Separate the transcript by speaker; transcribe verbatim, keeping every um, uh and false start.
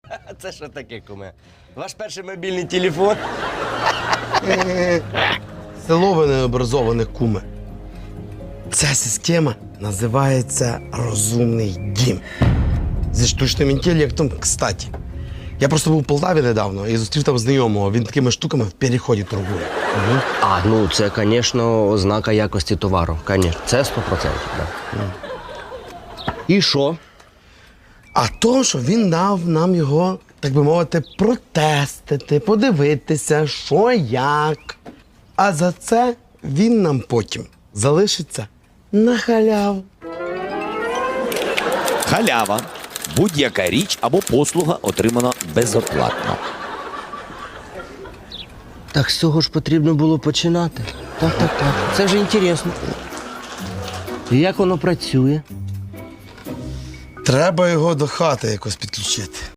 Speaker 1: А це що таке, куме? Ваш перший мобільний телефон?
Speaker 2: Село ви необразованих, куме. Ця система називається «Розумний дім». Зі штучним інтелектом, кстати. Я просто був у Полтаві недавно і зустрів там знайомого. Він такими штуками в переході торгує. Угу.
Speaker 1: А, ну це, звісно, ознака якості товару. Звісно, це сто процентів. Да. І що?
Speaker 2: А то, що він дав нам його, так би мовити, протестити, подивитися, що як. А за це він нам потім залишиться на халяву.
Speaker 3: Халява. Будь-яка річ або послуга отримана безоплатно.
Speaker 1: Так з цього ж потрібно було починати. Так, так, так. Це вже інтересно. І як воно працює?
Speaker 2: Треба його до хати якось підключити.